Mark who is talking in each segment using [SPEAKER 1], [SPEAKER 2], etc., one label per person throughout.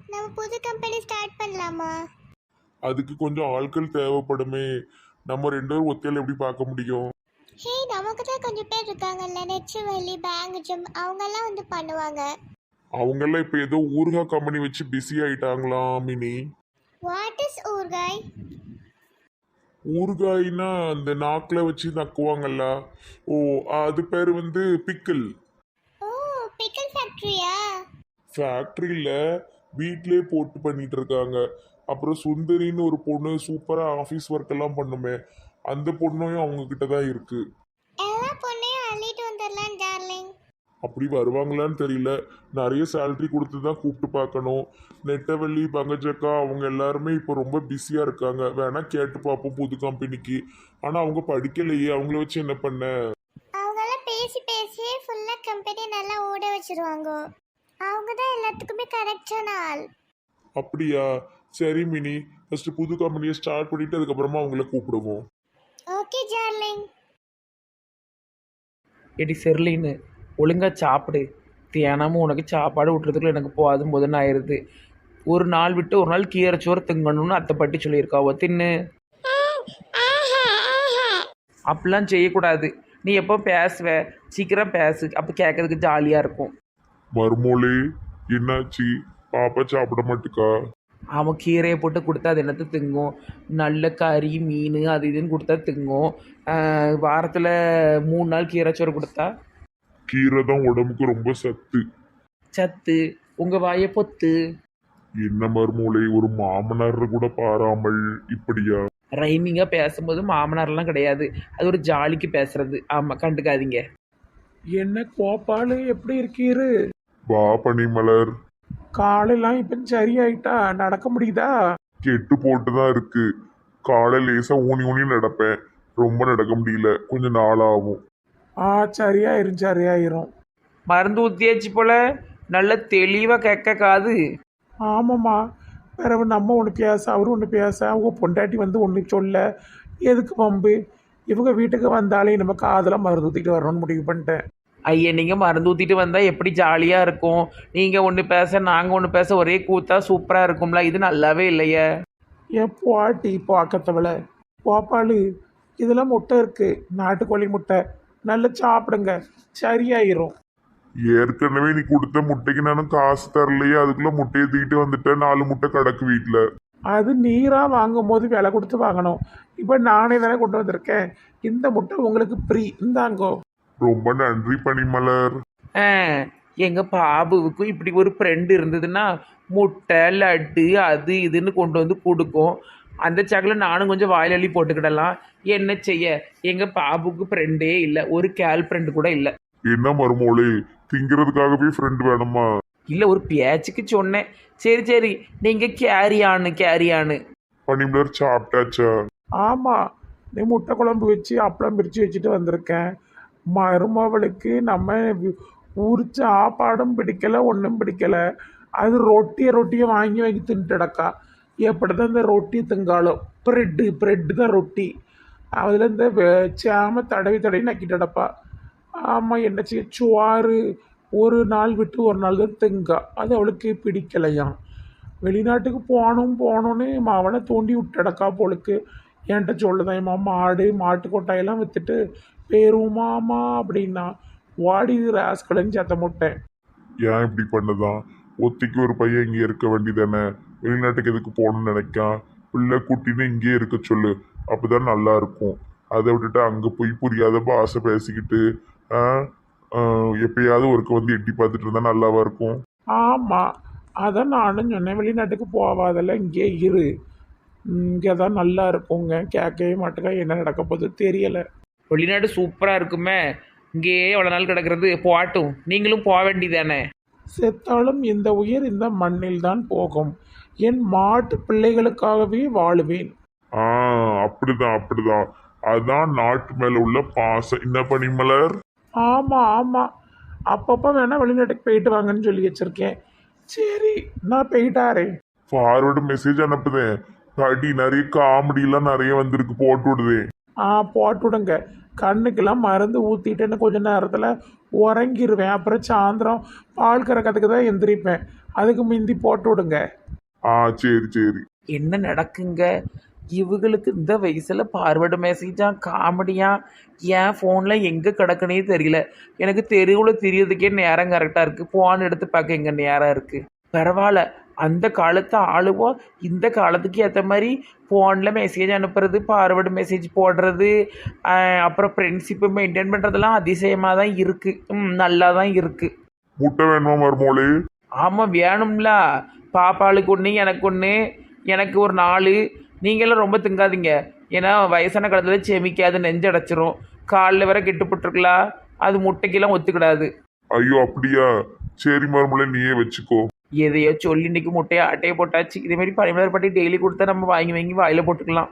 [SPEAKER 1] நம்ம புது company start பண்ணலாமா?
[SPEAKER 2] அதுக்கு கொஞ்சம் ஆட்கள் தேவைப்படுமே. நம்ம ரெண்டு பேரும் ஒத்தையில எப்படி பார்க்க முடியும்?
[SPEAKER 1] ஹே, நமக்கு தான் கொஞ்சம் பேர் இருக்காங்கல்ல, நெச்சுவலி பேங்க் ஜிம் அவங்கெல்லாம் வந்து பண்ணுவாங்க.
[SPEAKER 2] அவங்கெல்லாம் இப்போ ஏதோ ஊறுகாய் கம்பெனி வச்சு பிஸி ஆயிட்டாங்களாம் மினி.
[SPEAKER 1] வாட் இஸ் ஊர்காய்?
[SPEAKER 2] ஊறுகாய்னா அந்த நாக்கில் வச்சு நக்குவாங்கல்ல. ஓ, அது பேர் வந்து பிக்கிள்.
[SPEAKER 1] ஓ, பிக்கல் ஃபேக்டரியா?
[SPEAKER 2] ஃபேக்ட்ரியில் வீட்டிலே போட்டு பண்ணிட்டு இருக்காங்க. அப்புறம் சுந்தரின்னு ஒரு பொண்ணு சூப்பராக ஆஃபீஸ் ஒர்க் எல்லாம் பண்ணுமே, அந்த பொண்ணும் அவங்க கிட்ட தான் இருக்கு.
[SPEAKER 1] எல்லா பொண்ணையும் அள்ளிட்டு வந்துடலாம் டார்லிங்.
[SPEAKER 2] அப்படி வருவாங்களான்னு தெரியல. நிறைய சேலரி கொடுத்து தான் கூப்பிட்டு பார்க்கணும். நெட்டவள்ளி பங்கஜக்கா அவங்க எல்லாருமே இப்போ ரொம்ப பிஸியாக இருக்காங்க. வேணா கேட்டு பார்ப்போம் புது கம்பெனிக்கு. ஆனால் அவங்க படிக்கலையே, அவங்கள வச்சு என்ன பண்ண?
[SPEAKER 1] அவங்கெல்லாம் பேசி பேசியே ஃபுல்லாக கம்பெனி நல்லா ஓட வச்சிருவாங்க. அவங்க தான் எல்லாத்துக்குமே கரெக்டான ஆள்.
[SPEAKER 2] அப்படியா? சரி மினி, ஃபர்ஸ்ட் புது கம்பெனியை ஸ்டார்ட் பண்ணிட்டு அதுக்கப்புறமா அவங்கள கூப்பிடுவோம்.
[SPEAKER 1] Okay darling.
[SPEAKER 3] எடி செர்லின்னு ஒழுங்காக சாப்பிடு. தியானமும் உனக்கு சாப்பாடு விட்டுறதுக்குள்ள எனக்கு போதும் போதுன்னு ஆயிடுது. ஒரு நாள் விட்டு ஒரு நாள் கீரைச்சோறு திங்கணும்னு அத்தை பாட்டி சொல்லியிருக்காவோ, தின்னு. அப்படிலாம் செய்யக்கூடாது. நீ எப்போ பேசுவ, சீக்கிரம் பேசு, அப்போ கேட்கறதுக்கு ஜாலியாக இருக்கும்.
[SPEAKER 2] மருமோளே, என்னாச்சு? பாப்பா சாப்பிட மாட்டுக்கா?
[SPEAKER 3] அவன் கீரையை போட்டு கொடுத்தா அது என்னத்தை திங்கும்? நல்ல கறி மீன் அது இதுன்னு கொடுத்தா திங்கும். வாரத்தில் 3 நாள் கீரைச்சோறு கொடுத்தா
[SPEAKER 2] கீரை தான் உடம்புக்கு ரொம்ப சத்து.
[SPEAKER 3] சத்து. உங்கள் வாயை பொத்து.
[SPEAKER 2] என்ன மருமோளே, ஒரு மாமனார் கூட பாராமல் இப்படியா?
[SPEAKER 3] ரைமிங்காக பேசும்போது மாமனார்லாம் கிடையாது, அது ஒரு ஜாலிக்கு பேசுறது. ஆமாம், கண்டுக்காதீங்க. என்ன கோபாலு, எப்படி இருக்கீரு?
[SPEAKER 2] வா பனிமலர்.
[SPEAKER 3] காலெல்லாம் இப்போ சரியாயிட்டா, நடக்க முடியுதா?
[SPEAKER 2] கெட்டு போட்டு தான் இருக்கு. காலை லேசா ஊனி ஊனி நடப்பேன், ரொம்ப நடக்க முடியல, கொஞ்சம் நாளாகும்.
[SPEAKER 3] சரியாயிரும் சரியாயிரும். மருந்து ஊற்றியாச்சு போல, நல்ல தெளிவாக கேட்க காது. ஆமாம்மா. பிறகு நம்ம ஒன்று பேச, அவரு ஒன்று பேச, அவங்க பொண்டாட்டி வந்து ஒன்று சொல்ல, எதுக்கு பம்பு? இவங்க வீட்டுக்கு வந்தாலே நம்ம காதில் மருந்து ஊற்றிட்டு வரணும்னு முடிவு பண்ணிட்டேன். ஐயா, நீங்கள் மருந்து ஊற்றிட்டு வந்தால் எப்படி ஜாலியாக இருக்கும்? நீங்கள் ஒன்று பேச நாங்கள் ஒன்று பேச ஒரே கூத்தா சூப்பராக இருக்கும்ல. இது நல்லாவே இல்லையே. என் பாட்டி பார்க்கத்தவளை பாப்பாளு, இதெல்லாம் முட்டை இருக்குது, நாட்டுக்கோழி முட்டை, நல்லா சாப்பிடுங்க, சரியாயிரும்.
[SPEAKER 2] ஏற்கனவே நீ கொடுத்த முட்டைக்கு நானும் காசு தரலையே, அதுக்குள்ள முட்டையை தூக்கிட்டு வந்துட்டேன். 4 முட்டை கிடக்கு வீட்டில்.
[SPEAKER 3] அது நீராக வாங்கும் போது விலை கொடுத்து வாங்கணும். இப்போ நானே தானே கொண்டு வந்திருக்கேன். இந்த முட்டை உங்களுக்கு ஃப்ரீ, இந்தாங்கோ.
[SPEAKER 2] ரொம்ப நன்றி பனிமலர்.
[SPEAKER 3] எங்கள் பாபுவுக்கும் இப்படி ஒரு ஃப்ரெண்டு இருந்ததுன்னா முட்டை லட்டு அது இதுன்னு கொண்டு வந்து கொடுக்கும். அந்த சாக்கில் நானும் கொஞ்சம் வாயில் அள்ளி போட்டுக்கிடலாம். என்ன செய்ய, எங்கள் பாபுக்கு ஃப்ரெண்டே இல்லை, ஒரு கேர்ள் ஃப்ரெண்டு கூட இல்லை.
[SPEAKER 2] என்ன மருமோளே, திங்கிறதுக்காகவே ஃப்ரெண்ட் வேணுமா?
[SPEAKER 3] இல்லை, ஒரு பேச்சுக்கு சொன்னேன். சரி சரி, நீங்கள் கேரியானு.
[SPEAKER 2] பனிமலர் சாப்பிட்டாச்சா?
[SPEAKER 3] ஆமாம், நீ முட்டை குழம்பு வச்சு அப்பளம் பிரித்து வச்சுட்டு வந்திருக்கேன். மருமவளுக்கு நம்ம ஊர் சாப்பாடும் பிடிக்கலை, ஒன்றும் பிடிக்கலை. அது ரொட்டியை வாங்கி வாங்கி தின்ட்டுடக்கா. எப்படி தான் இந்த ரொட்டி திங்காலோ, ப்ரெட்டு தான் ரொட்டி. அதில் இந்த சேம தடவி நக்கிட்டடப்பா. ஆமாம், என்ன செய்ய, சுவாறு ஒரு நாள் விட்டு ஒரு நாள் தான் திங்கா, அது அவளுக்கு பிடிக்கலையாம். வெளிநாட்டுக்கு போகணுன்னு அவனை தூண்டி விட்டடக்கா போலுக்கு. என்கிட்ட சொல்லுதான், மாட்டு கொட்டாயெல்லாம் விற்றுட்டு பேருமாமா அப்படின்னா வாடி ராஸ்கலன்னு சத்த முட்டேன்.
[SPEAKER 2] ஏன் இப்படி பண்ணதான்? ஒத்திக்கு ஒரு பையன் இங்கே இருக்க வேண்டியதானே? வெளிநாட்டுக்கு எதுக்கு போகணும்னு நினைக்கான்? பிள்ளை குட்டின்னு இங்கே இருக்க சொல்லு, அப்போதான் நல்லா இருக்கும். அதை விட்டுட்டு அங்கே போய் புரியாத பாஷை பேசிக்கிட்டு எப்பயாவது ஒருக்க வந்து எட்டி பார்த்துட்டு இருந்தா நல்லாவா இருக்கும்?
[SPEAKER 3] ஆமாம், அதான் நானும் சொன்னேன், வெளிநாட்டுக்கு போவாதல்ல, இங்கே இரு, இங்கே தான் நல்லா இருக்குங்க. கேட்கவே மாட்டேங்க, என்ன நடக்க போகுது தெரியலை. வெளிநாடு சூப்பராக இருக்குமே, இங்கேயே எவ்வளோ நாள் கிடக்கிறது, போட்டும், நீங்களும் போக வேண்டியதானே. செத்தாலும் இந்த உயிர் இந்த மண்ணில் தான் போகும், என் மாட்டு பிள்ளைகளுக்காகவே வாழுவேன்.
[SPEAKER 2] அப்படிதான். அதான் நாட்டு மேல உள்ள பாசம். என்ன பனிமலர்?
[SPEAKER 3] ஆமாம், அப்பப்போ வேணால் வெளிநாட்டுக்கு போயிட்டு வாங்கன்னு சொல்லி வச்சுருக்கேன். சரி, நான் போயிட்டாரே.
[SPEAKER 2] Forward message அனுப்புதேன். கடி நிறைய காமெடியெல்லாம் நிறைய வந்திருக்கு, போட்டு விடுதேன்.
[SPEAKER 3] போட்டு விடுங்க. கண்ணுக்கெல்லாம் மருந்து ஊற்றிட்டேன்னு கொஞ்ச நேரத்தில் உறங்கிடுவேன். அப்புறம் சாயந்தரம் பால் கறக்கிறதுக்கு தான் எந்திரிப்பேன். அதுக்கு முந்தி போட்டு விடுங்க.
[SPEAKER 2] ஆ சரி சரி.
[SPEAKER 3] என்ன நடக்குங்க இவங்களுக்கு இந்த வயசுல பார்வர்டு மெசேஜா காமெடியா என் ஃபோனில் எங்கே கிடக்குனே தெரியல. எனக்கு தெருவில் தெரியறதுக்கே நேரம் கரெக்டாக இருக்குது. ஃபோன் எடுத்து பார்க்க எங்கே நேரம் இருக்குது. பரவாயில்ல, அந்த காலத்து ஆளுவோ இந்த காலத்துக்கு ஏற்ற மாதிரி ஃபோனில் மெசேஜ் அனுப்புறது, பார்வர்டு மெசேஜ் போடுறது, அப்புறம் ஃப்ரெண்ட்ஷிப்பை மெயின்டைன் பண்ணுறதெல்லாம் அதிசயமாக தான் இருக்குது. நல்லா தான் இருக்குது.
[SPEAKER 2] முட்டை வேணுமா மருமோளே?
[SPEAKER 3] ஆமாம் வேணும்ல. பாப்பாளுக்கு ஒன்று, எனக்கு ஒன்று, எனக்கு ஒரு 4. நீங்களும் ரொம்ப திங்காதீங்க, ஏன்னா வயசான காலத்தில் செமிக்காது, நெஞ்சடைச்சிரும். காலில் வேற கெட்டுப்பட்டுருக்கலாம், அது முட்டைக்கெல்லாம் ஒத்துக்கிடாது.
[SPEAKER 2] ஐயோ அப்படியா? சரி மருமோளே, நீயே வச்சுக்கோ.
[SPEAKER 3] எதையோ சொல்லி இன்னைக்கு முட்டையை அட்டையை போட்டாச்சு. இதேமாரி பனிமலர் பட்டி டெய்லி கொடுத்தா நம்ம வாங்கி வாங்கி வாயில் போட்டுக்கலாம்.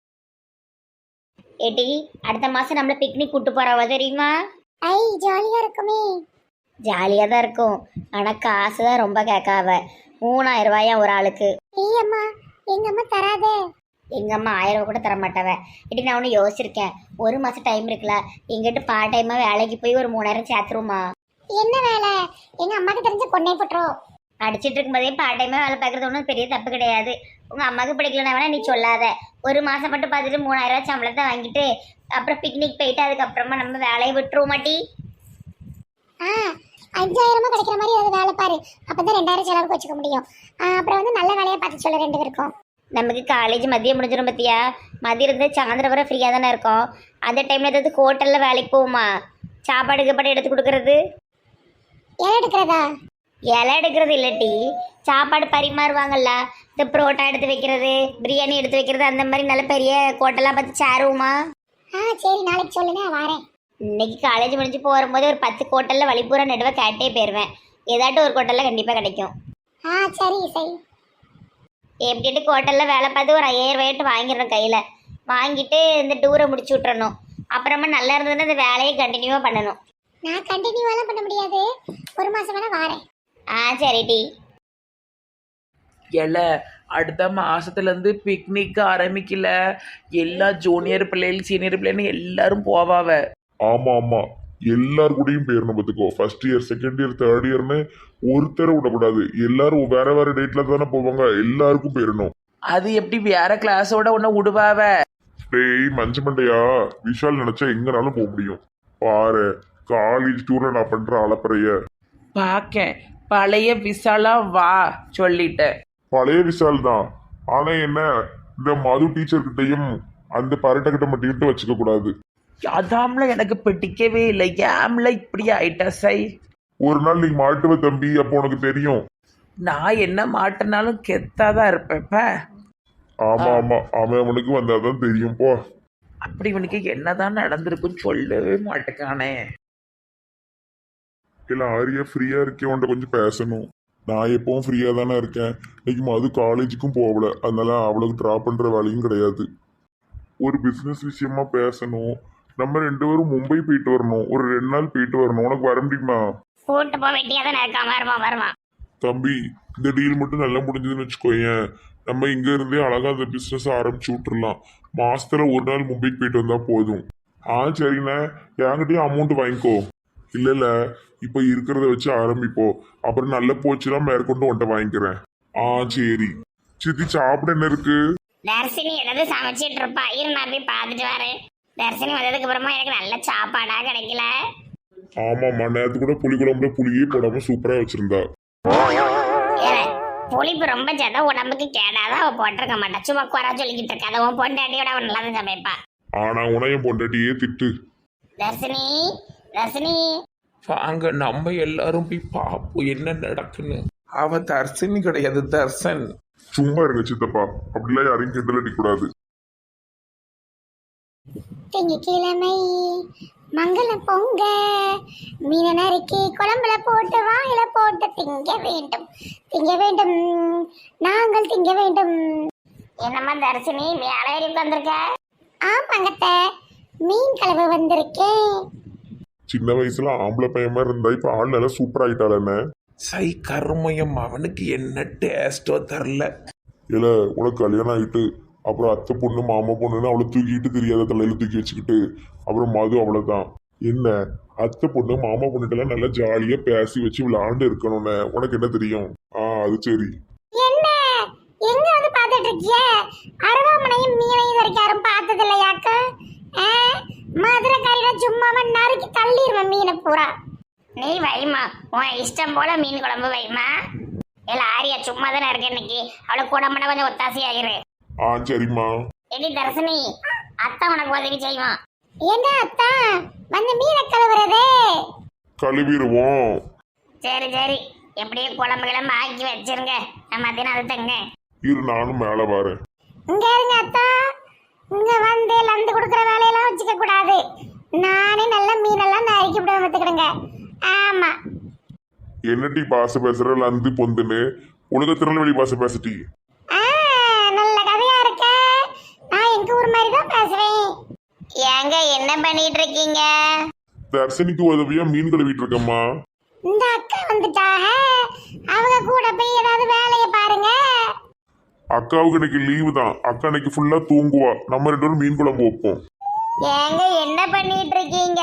[SPEAKER 1] ஏட்டி, அடுத்த மாசம் நம்மள பிக்னிக் கூட்டு போறவ தெரியுமா? ஐ ஜாலியா இருக்குமே. ஜாலியா தான் இருக்கும், ஆனா காசு தான் ரொம்ப கேட்காவ. 3000 ரூபாயா ஒரு ஆளுக்கு. ஏம்மா, எங்க அம்மா தராதே. எங்க அம்மா 1000 ரூபா கூட தர மாட்டாவ. இடி நான் ஒன்று யோசிச்சிருக்கேன், ஒரு மாசம் டைம் இருக்குல்ல, எங்கிட்ட பார்ட் டைமா வேலைக்கு போய் ஒரு 3000 சேர்த்துருமா? என்ன வேலை? எங்க அம்மாக்கு தெரிஞ்ச பொண்ணை போட்டுரும். அடிச்சிட்டு இருக்கும்போதே பார்ட் டைமா வேலை பார்க்கறது ஒன்றும் பெரிய தப்பு கிடையாது. உங்க அம்மாவுக்கு பிடிக்கலன்னா வேணா நீ சொல்லாத. ஒரு மாசம் மட்டும் பார்த்துட்டு 3000 ரூபா சம்பளத்தை வாங்கிட்டு அப்புறம் பிக்னிக் போயிட்டு அதுக்கப்புறமா நம்ம வேலையை விட்டுருவோம் மாட்டி. 5000 கிடைக்கிற மாதிரி ஏதாவது வேலை பாரு, அப்பதான் 2000 செலவுக்கு வச்சுக்க முடியும். அப்புறம் வந்து நல்ல வேலையை பார்த்து சொல்ல 2 பேருக்கும். நமக்கு காலேஜ் மதியம் முடிஞ்சிடும் பத்தியா? மதியம் இருந்து சாயந்தரம் வரை ஃப்ரீயாக தானே இருக்கும். அந்த டைம்ல ஏதாவது ஹோட்டலில் வேலைக்கு போகுமா? சாப்பாடு கீப்பாடு எடுத்து கொடுக்கறது. இலை எடுக்கிறதா? இலை எடுக்கிறது இல்லாட்டி சாப்பாடு பரிமாறுவாங்கல்ல, இந்த புரோட்டா எடுத்து வைக்கிறது, பிரியாணி எடுத்து வைக்கிறது, அந்த மாதிரி நல்ல பெரிய ஹோட்டலாக பார்த்து சேருவோமா? சரி, நாளைக்கு சொல்லுங்க, வரேன். இன்னைக்கு காலேஜ் முடிஞ்சு போகும்போது ஒரு 10 ஹோட்டலில் வழிபூரா நடுவே கேட்டே போயிடுவேன். ஏதாட்டும் ஒரு ஹோட்டலில் கண்டிப்பாக கிடைக்கும். சரி சரி. எப்படிட்டு ஹோட்டலில் வேலை பார்த்து ஒரு 5000 ரூபாய்ட்டு வாங்கிடணும் கையில். வாங்கிட்டு இந்த டூரை முடிச்சு விட்றணும். அப்புறமா நல்லா இருந்ததுன்னா இந்த வேலையை கண்டினியூவாக பண்ணணும். நான் கண்டினியூவாலாம் பண்ண முடியாது, ஒரு மாதம் வேணா வரேன். சரி டி.
[SPEAKER 3] எல அடுத்த மாசத்துலேருந்து பிக்னிக் ஆரம்பிக்கல. எல்லா ஜூனியர் பிள்ளைகள் சீனியர் பிள்ளைன்னு எல்லாரும் போவாவ.
[SPEAKER 2] ஆமா ஆமா, எல்லார் கூடயும் போயிடணும் பார்த்துக்கோ. First year, second year, third இயர்னு ஒருத்தரை விடக்கூடாது. எல்லாரும் வேற வேற டேட்ல தானே போவாங்க, எல்லாருக்கும் போயிடணும்.
[SPEAKER 3] அது எப்படி வேற கிளாஸோட ஒன்று விடுவாவ?
[SPEAKER 2] டேய் மஞ்ச மண்டையா, விஷால் நினைச்சா எங்கனாலும் போக முடியும். பாரு, காலேஜ் டூர்ல நான் பண்ற அலப்பறைய
[SPEAKER 3] பார்க்க. பழைய விசாலா வா சொல்லிட்டேன்.
[SPEAKER 2] பழைய விஷால் தான். ஆனா என்ன, இந்த மது டீச்சர் கிட்டையும் அந்த பரட்டை கிட்ட மட்டும் வச்சுக்க கூடாது.
[SPEAKER 3] அதாம்ல எனக்கு பிடிக்கவே இல்லை. ஏம்ல இப்படி ஆயிட்டா சை.
[SPEAKER 2] ஒரு நாள் நீ மாட்டுவ தம்பி, அப்போ உனக்கு தெரியும்.
[SPEAKER 3] நான் என்ன மாட்டினாலும் கெத்தாதான் இருப்பேப்ப.
[SPEAKER 2] ஆமா ஆமா, அவன் அவனுக்கு வந்தாதான் தெரியும் போ.
[SPEAKER 3] அப்படி இவனுக்கு என்னதான் நடந்திருக்குன்னு சொல்லவே மாட்டேக்கானே.
[SPEAKER 2] இல்ல ஆரியா ஃப்ரீயா இருக்கேன், உன்ட்ட கொஞ்சம் பேசணும். நான் எப்பவும் ஃப்ரீயா தானே இருக்கேன். இன்னைக்கு மது காலேஜுக்கும் போகல, அதனால அவளுக்கு ட்ராப் பண்ற வேலையும் கிடையாது. ஒரு பிசினஸ் விஷயமா பேசணும். நம்ம 2 பேரும் மும்பை போயிட்டு வரணும், ஒரு 2 நாள் போயிட்டு வரணும். உனக்கு வர முடியுமா?
[SPEAKER 1] கூட்டு போக வேண்டியதான் இருக்கான். வருவான்.
[SPEAKER 2] தம்பி, இந்த டீல் மட்டும் நல்லா முடிஞ்சதுன்னு வச்சுக்கோயேன், நம்ம இங்க இருந்தே அழகா அந்த பிசினஸ் ஆரம்பிச்சு விட்டுறலாம். மாசத்துல ஒரு நாள் மும்பைக்கு போயிட்டு வந்தா போதும். சரிண்ணே, என்கிட்டயும் அமௌண்ட் வாங்கிக்கோ. இல்ல இப்ப இருக்கிறத வச்சு ஆரம்பிப்போம், அப்புறம் நல்ல போச்சுன்னா மேற்கொண்டு உன்ட்ட வாங்கிக்கிறேன். சரி. சித்தி, சாப்பிட என்ன இருக்கு?
[SPEAKER 1] தர்சினி ஏதாவது சமைச்சிட்டு இருப்பா, இரு நான் போய் பார்த்துட்டு வரேன். தர்சினி வந்ததுக்கு அப்புறமா எனக்கு நல்ல சாப்பாடா கிடைக்கல.
[SPEAKER 2] ஆமாம்மா, நேரத்து கூட புளி குழம்புல புளியே போடாம சூப்பரா வச்சிருந்தா.
[SPEAKER 1] புளிப்பு ரொம்ப சேர்த்தா உடம்புக்கு கேடாதான் அவ போட்டிருக்க மாட்டா. சும்மா குறை சொல்லிக்கிட்டு இருக்காத. உன் பொண்டாட்டியோட அவன் நல்லா தான் சமைப்பா.
[SPEAKER 2] ஆனா உனையும் பொண்டாட்டியே திட்டு.
[SPEAKER 1] தர்சினி, தர்சினி.
[SPEAKER 3] வாங்க நம்ம எல்லாரும் போய் பார்ப்போம் என்ன நடக்குன்னு. அவ தர்சினி கிடையாது, தர்சன்.
[SPEAKER 2] சும்மா இருங்க சித்தப்பா, அப்படிலாம் யாரையும் கிண்டல் அடிக்கூடாது.
[SPEAKER 1] திங்கக்கிழமை மங்கள பொங்க, மீன நறுக்கி குழம்புல போட்டு வாயில போட்டு திங்க வேண்டும், திங்க வேண்டும், நாங்கள் திங்க வேண்டும். என்னம்மா தர்சினி, மேலே வந்திருக்க? ஆமாங்கத்த, மீன் கலவை வந்திருக்கேன்.
[SPEAKER 2] சின்ன வயசுல ஆம்பளை பையன் மாதிரி இருந்தா இப்ப ஆள் நல்லா சூப்பர் ஆயிட்டாளே.
[SPEAKER 3] சை கருமயம், அவனுக்கு என்ன டேஸ்டோ தரல.
[SPEAKER 2] இல்ல, உனக்கு கல்யாணம் ஆயிட்டு அப்புறம் அத்தை பொண்ணு மாமா பொண்ணுன்னு அவளை தூக்கிட்டு தெரியாத தலையில தூக்கி வச்சுக்கிட்டு அப்புறம் மது அவ்வளவுதான். என்ன, அத்தை பொண்ணு மாமா பொண்ணுட்டெல்லாம் நல்லா ஜாலியா பேசி வச்சு விளையாண்டு இருக்கணும்னு உனக்கு என்ன தெரியும்? அது சரி.
[SPEAKER 1] என்ன வச்சிருக்கிய அருவாமனையும் மீனையும் இது வரைக்கும் யாரும் பார்த்தது இல்லையாக்க மதுரைக்காரிட சும்மாவா நறுக்கி தள்ளிடுவேன் மீனை பூரா. நீ வைமா, உன் இஷ்டம் போல மீன் குழம்பு வைமா. இல்ல ஆரியா சும்மா தானே இருக்க இன்னைக்கு, அவளை கூடம்பட கொஞ்சம் ஒத்தாசையாயிரு.
[SPEAKER 2] சரிம்மா.
[SPEAKER 1] எடி தர்சினி, அத்தா உனக்கு உதவி செய்வான். என்ன அத்தா வந்து மீனை கழுவுறதே?
[SPEAKER 2] கழுவிடுவோம்.
[SPEAKER 1] சரி சரி, எப்படியே குழம்பு கிளம்பு ஆக்கி வச்சிருங்க, நான் மத்தியானம் அது தங்க.
[SPEAKER 2] இரு நானும் மேலே வரேன்.
[SPEAKER 1] இங்க இருங்க அத்தா, இங்க வந்து லந்து கொடுக்குற வேலையெல்லாம் வச்சுக்க கூடாது. நானே நல்ல மீனெல்லாம் நறுக்கி விட வந்துக்கிடுங்க. ஆமா.
[SPEAKER 2] என்னட்டி பாச பேசுற லந்து பொந்துன்னு உலக திருநெல்வேலி பாச பேசிட்டி.
[SPEAKER 1] நல்ல கதையா இருக்க. நான் எங்க ஊர் மாதிரி தான் பேசுவேன். ஏங்க என்ன பண்ணிட்டு இருக்கீங்க?
[SPEAKER 2] தர்சனிக்கு உதவியா மீன் கழுவிட்டு இருக்கம்மா.
[SPEAKER 1] இந்த அக்கா வந்துட்டாக, அவங்க கூட போய் ஏதாவது வேலையை பாருங்க.
[SPEAKER 2] அக்காவுக்கு இன்னைக்கு லீவு தான். அக்கா இன்னைக்கு ஃபுல்லா தூங்குவா. நம்ம 2 பேரும் மீன் குழம்பு வைப்போம்.
[SPEAKER 1] ஏங்க என்ன பண்ணிட்டு இருக்கீங்க?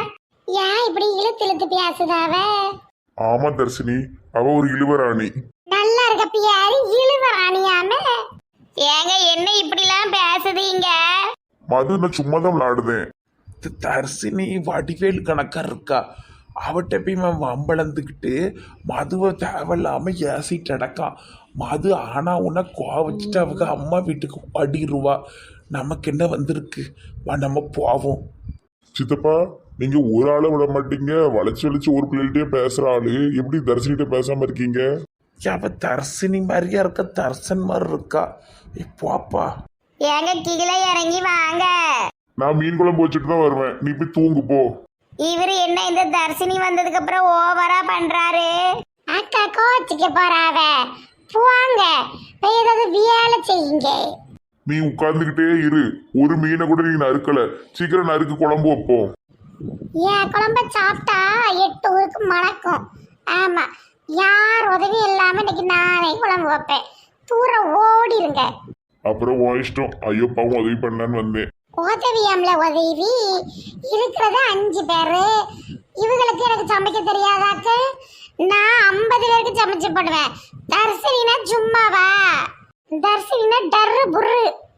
[SPEAKER 1] ஏன் இப்படி இழுத்து இழுத்து பேசுதாவ?
[SPEAKER 2] ஆமா தர்சினி, அவ ஒரு இழுவராணி.
[SPEAKER 1] நல்லா இருக்க பியாரு இழுவராணியாம. ஏங்க என்ன இப்படிலாம் பேசுதீங்க?
[SPEAKER 2] மது நான் சும்மா தான் விளையாடுதேன்.
[SPEAKER 3] தர்சினி வடிவேல் கணக்கா இருக்கா. அவட்ட போய் வம்பளந்துக்கிட்டு மதுவை தேவையில்லாம ஏசிட்டு அடக்கான். மது ஆனா உன்னை கோவச்சிட்டு அவங்க அம்மா வீட்டுக்கு அடிடுவா. நமக்கு என்ன வந்திருக்கு, வா நம்ம போவோம்.
[SPEAKER 2] சித்தப்பா, நீங்க ஒரு ஆளை விட மாட்டீங்க. வளைச்சு வளைச்சு ஒரு பிள்ளைகிட்டே பேசுற ஆளு எப்படி தர்சினிட்ட பேசாம இருக்கீங்க?
[SPEAKER 3] அவ தர்சினி மாதிரியா இருக்கா, தர்சன் மாதிரி இருக்கா. போப்பா.
[SPEAKER 1] ஏங்க கீழே இறங்கி வாங்க.
[SPEAKER 2] நான் மீன் குழம்பு வச்சுட்டு தான் வருவேன். நீ போய் தூங்கு போ.
[SPEAKER 1] இவரு என்ன இந்த தர்சினி வந்ததுக்கு அப்புறம் ஓவரா பண்றாரு? அக்கா கோச்சிக்க போறாவ. போங்க போய் ஏதாவது வேலை செய்யுங்க.
[SPEAKER 2] நீ உட்கார்ந்துகிட்டே இரு. ஒரு மீனை கூட நீ நறுக்கல. சீக்கிரம் நறுக்கு, குழம்பு வைப்போம்.
[SPEAKER 1] ஏன் குழம்ப சாப்பிட்டா 8 ஊருக்கு மணக்கும். ஆமா, யார் உதவி இல்லாம இன்னைக்கு நானே குழம்பு வைப்பேன். தூரம் ஓடிருங்க.
[SPEAKER 2] அப்புறம் உன் இஷ்டம். ஐயோ பாவம், உதவி பண்ணலான்னு வந்தேன்.
[SPEAKER 1] உதவியம்ல உதவி இருக்கிறது 5 பேரு. இவங்களுக்கு எனக்கு சமைக்க தெரியாதாக்கு? நான் 50 பேருக்கு சமைச்சு போடுவேன். தர்சினா சும்மாவா? தர்சினா டர்ரு புர்ரு.